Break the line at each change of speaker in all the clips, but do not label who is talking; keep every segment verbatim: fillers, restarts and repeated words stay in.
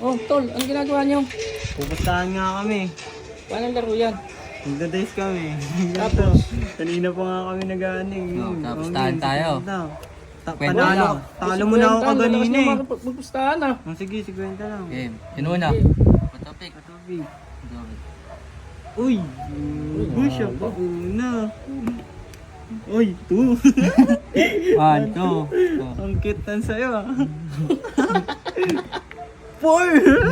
Oh, tol, ang ginagawa niyo?
Pupuntahan nga kami.
Paano laro yan?
Magda-dice kami.
Tapos?
Kanina pa nga kami nag-aaning.
Oh, tapos tahan tayo.
Panalo,
lang.
talo mo na ako kaganina eh.
Magpustahan ah.
Oh, sige, sigwenta lang.
Game. Sino na? Patopik.
Patubig. Uy! Uy, siya pa una. Uy, two.
One, two.
Ang cute tan sa'yo ah. Four!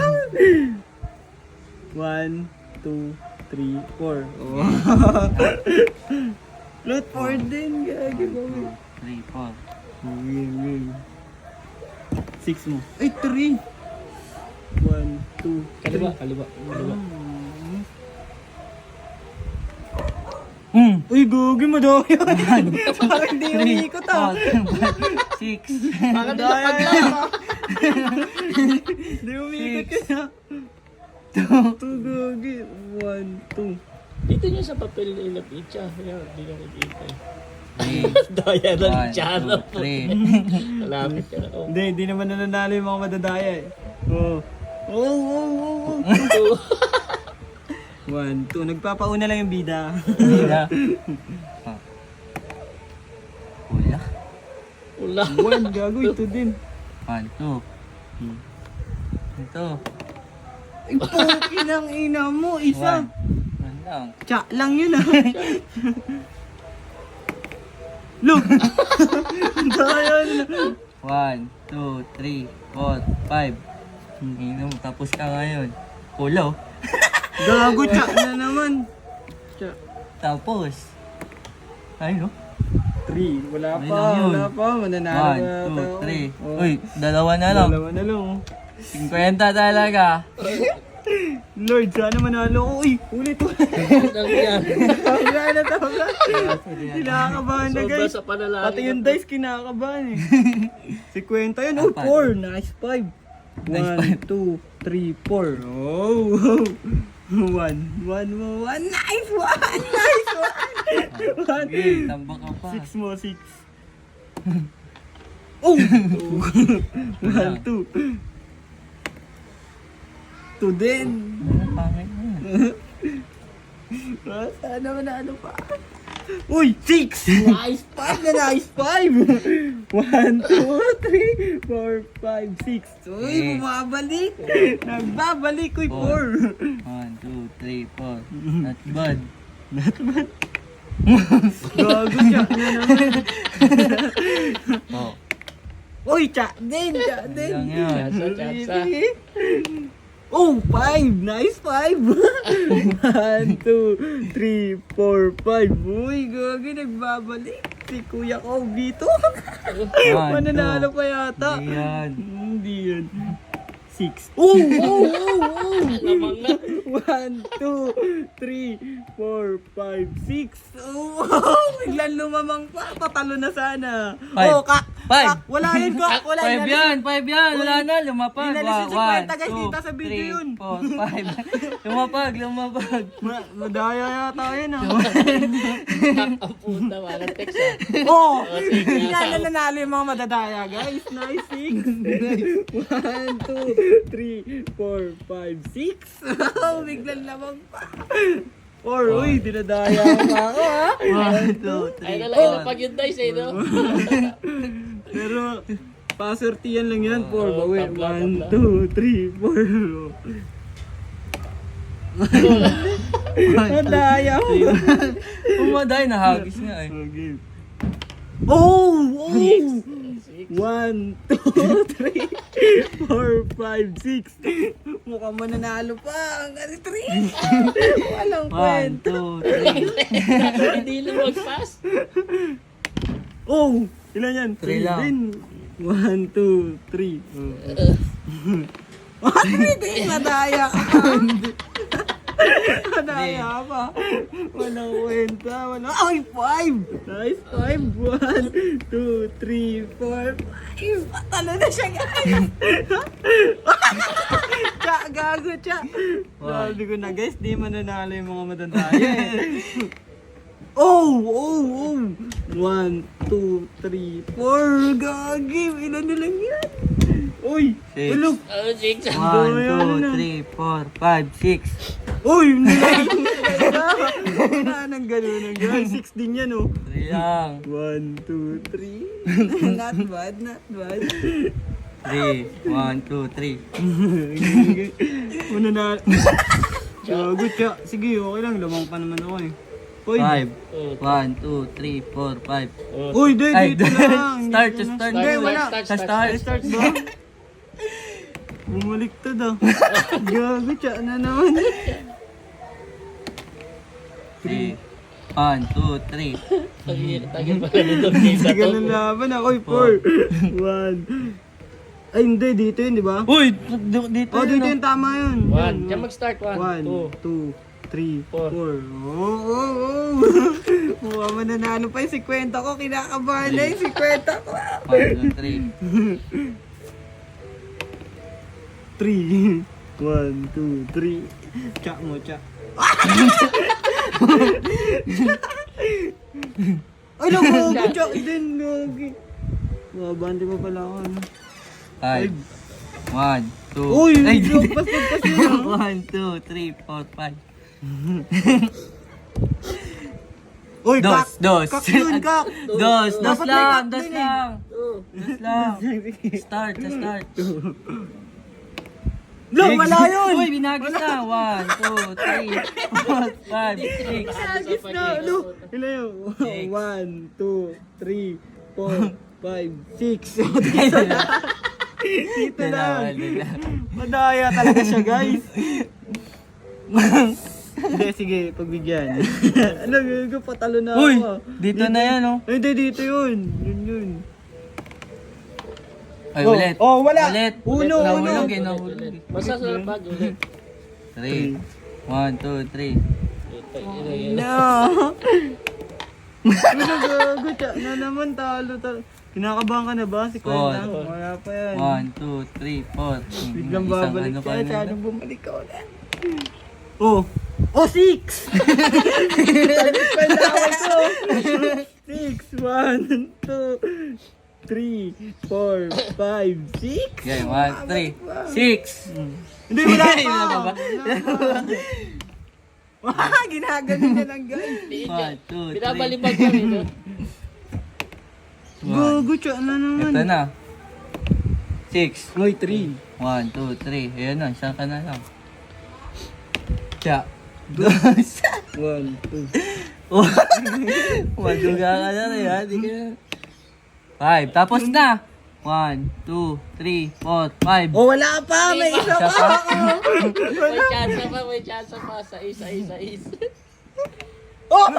One, two, three, four. Oh. Lot four din, gagi ba?
Three, four.
Game, game. Six mo. Ay, three! One, two,
Kaliwa, kaliwa, kaliwa.
Hmm.
Uy, gogi mo daw yun. Parang hindi umiikot ah.
Six.
Baka nilapag lang ah.
Hindi umiikot yun ah. Two, gogi. One, two.
Dito niyo sa papel ilapit siya. Kaya hindi na nakikita eh.
Three.
Daya ng
One,
tsara
two,
po.
three.
Malapit ka na. Oh.
Hindi, hindi naman nananalo yung mga madadaya eh. Oh. Oh, oh, oh, oh. One, two. Nagpapauna lang yung bida.
Wala. Wala.
Ula.
One, gago. Ito din.
One, two. Ito.
Ay, poki ng ina mo. Isa.
One. One lang.
Tsa lang yun ah. Look! Daya na.
One, two, three, four, five. Inom, tapos ka ngayon. Ulo.
Gago, tsa na naman. Tsa.
Tapos. Ay, no?
Three. Wala
Ay,
pa.
lang yun.
Wala pa. Mananalo
One,
na
two,
tayo.
three.
Oh.
Uy, dalawa na lang.
Dalawa na lang. oh.
Cinquenta talaga.
Lord, sana manalo ko. Uy, ulit ulit.
Ano yan?
Tawag na, tawag na. Kinakabahan na
Sobra
guys.
sa panalangin.
Pati yung dice kinakabahan eh. Si Kwenta yun. Oh,
Apat.
four. Nice five.
Nice
One, two, three, four. Oh, one, one mo, one. Nice one. Nice one. One.
Okay, tambak ka pa.
Six mo, six. Oh! One, two. Two din.
Ano pangit mo yan?
Ah, sana manalo pa. Uy, six! Nice five na nice five! One, two, three, four, five, six. Uy,
Okay.
bumabalik! Nagbabalik, uy,
Four.
four!
One, two, three, four. Not bad.
Gago siya na naman.
Oh.
Uy, tsa din, tsa din.
Lang yan.
Tsa, tsa, tsa.
Oh, five! Nice five! One, two, three, four, five. Uy, gagi, nagbabalik. Si Kuya ko dito.
One,
Mananalo
two.
pa yata.
Hindi yan.
Hindi yan. Six. Oh, oh, oh, oh.
Lamang na.
One, two, three, four, five, six. Oh, biglang lumamang pa. Tatalo na sana.
Five.
Oh, kak.
Five.
Kak, wala yun, kak. Wala
Five
yun.
yan, five yan. Wala na, lumapag.
Inalis yung
Wa-
cinquenta, guys. Kita sa video
three,
yun.
four, five. Lumapag, lumapag.
Ma- madaya yata yun ah.
Ang puta, mga text ah.
Oh!
sige,
Hindi na
tao.
nananalo yung mga madadaya, guys. Nice, six. One, two, three, four, five, six. Oh, biglang lamang pa. Four, uy, dinadaya pa ako, ha?
One, two,
Ay,
three,
nalang
four.
ilapag yung dice eh, no?
Pero, pasortiyan lang yan, four.
Oo,
Bawi,
tabla,
one,
tabla.
two, three, four. Madaya mo.
Umaday, nahagis nga eh.
Okay. Oh! Oh! One, two, three, four, five, six. Mukhang mananalo pa. Hanggang three. Walang
One,
kwenta.
two, three.
Hindi lang mag-pass.
Oh! Ilan yan?
Three lang.
din. One, two, three. Oh, three din. Nadaya ka pa. Nadaya pa. Walang kwenta. Walang... Ay, five! Nice, five. One, two, three, four, five. Patalo na siya, guys. Tsa, gago, tsa. Sabi ko na, guys, di mananalo yung mga madadaya eh. Oh, oh, oh. One, two, three, four. Gagi, ilan na lang yan? Uy!
Six.
Ulo!
Oh, six.
One,
Ano
two,
na?
three, four, five, six.
Uy! Wala nang gano'n ng guys. Six din yan oh.
Three lang.
One, two, three. Not bad, not bad.
Three. One, two, three.
Una na. Gago ka. Sige, okay lang. Lamang pa naman ako eh. Uy!
Five.
Oh,
One, two, three, four, five.
oh.
Uy, di,
Ay,
dito lang.
start,
Dito
just
na.
start.
Hindi, wala.
Start,
Sa
start,
start.
Start ba? Bumaliktad ah. Gago, tiyan na naman.
Three. One, two, three.
Tagil, tagil pala nito. Game na
Sige
to.
na laban ako. Uy, four. One. Ay, hindi. Dito yun, di ba?
Uy! d- Dito
Oh, dito
yun.
yung tama yun.
One. Diyan mag-start. One,
One,
two.
two, three,
Four.
four. Oh, oh, oh. Mukha mananalo pa yung si Kwenta ko. Kinakabahan na yung si Kwenta ko.
One, two, three.
Three. One, two, three. Tsak mo, tsak. Ay, naku, tsak din. Lagi. Mabante mo pala ako. Ano?
Five. One, two.
Uy,
Ay,
joke, basta kasi yun.
One, two, three, four, five.
Uy,
Dos,
kak.
dos.
Kak yun, kak.
Dos, dos
Dapat may
lang,
kak
dos
din eh.
lang.
Two.
Dos lang. Start, sa start.
Lo, wala yun.
Uy, binagis na. One, two, three, four, five, six.
Agis na, ano? Ilan yun?
Six.
One, two, three, four, five, six. Dito na. Dito
Wala,
na.
wala.
Madaya talaga siya, guys. Hindi, sige, pagbigyan. Ano, yun, patalo na
Uy,
ako.
dito na yan, oh.
Ay, hindi, dito yun. Yun, yun.
Ay,
Oh,
ulit.
oh, wala.
Ulit.
Uno,
Nahulog
uno.
eh, nahulog.
Basta sa bag ulit.
Three. One, two, three.
Ito, ito, ito.
No. Ano, gago, tiya na naman, talo, talo. Kinakabahan ka na ba? Si Kwenta?
Four.
Wala pa yan.
One, two, three, four.
Biglang
Isang
babalik
ano
ka,
pa na
sana
lang.
bumalik ka ulit. Oh! Oh, six! Palawan ko! Six, one, two, three, four, five, six?
Okay, one, three, six.
Hindi, wala pa!
Wala pa ba?
Wah, ginaganon niya lang, guys.
One, two, three.
Pinabalibag kami doon.
Gogo, tiya na naman.
Ito na. Six.
Uy, three.
One, two, three. Ayan na, isang ka na lang. Tsa. Dos.
One, two.
Maduga ka na rin, ha? Di ka na. Five. Tapos na. One, two, three, four, five.
Oh, wala pa! May isa
Isa
pa!
pa.
May chance pa, may chance pa. Sais, sais, sais.
Oh!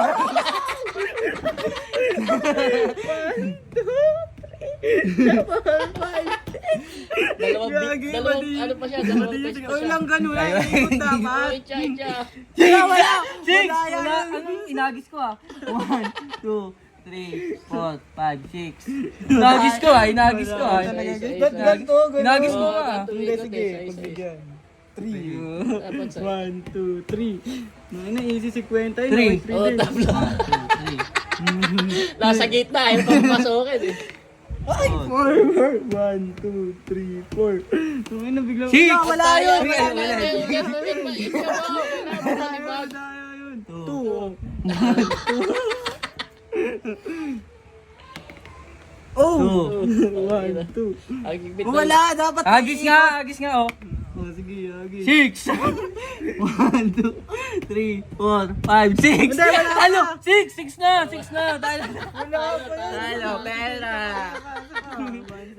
Dalawang,
Gagi,
bit- dalawang,
mali.
ano pa siya, dalawang
Mali,
page pa
Uy,
siya.
lang ganun. Wala yung ikot dapat.
Ay, tsa, tsa.
Wala, wala.
Six!
Wala yan.
Wala. Anong inagis ko, ah? One, two, three, four, five, six. Inagis ko, ah. Inagis ko, ah.
Wala talaga.
Isa, isa.
Ba't ganito? Ganito?
Inagis mo
Oo,
ka, ah.
ganito.
Hindi,
Ikot,
sige.
isa, isa,
Pagbigyan. Three.
Dapat sa...
One, two, three. Ano, easy si Kwenta yun.
Three.
Okay, three
Oh,
din.
tablo.
One, two, three.
Nasa gitna, ayaw pa mapasukin eh.
Ay, four, four. One, two, three, four. Ano, na biglang.
Six!
Wala, wala yun.
Wala,
Wala,
wala.
wala.
Yes, wait, wait, wait. Ikaw ba? Wala,
Wala yun.
Two.
Two. Oh!
Two.
One, two.
Ang bigit na-
Wala, dapat.
Agis nga, agis nga, oh.
Oh, sige, agis.
Six. One, two, three, four, five, six.
Hindi, wala pa.
Ano? Six, six na, six na. Talo.
Wala pa yun.
Talo, pera.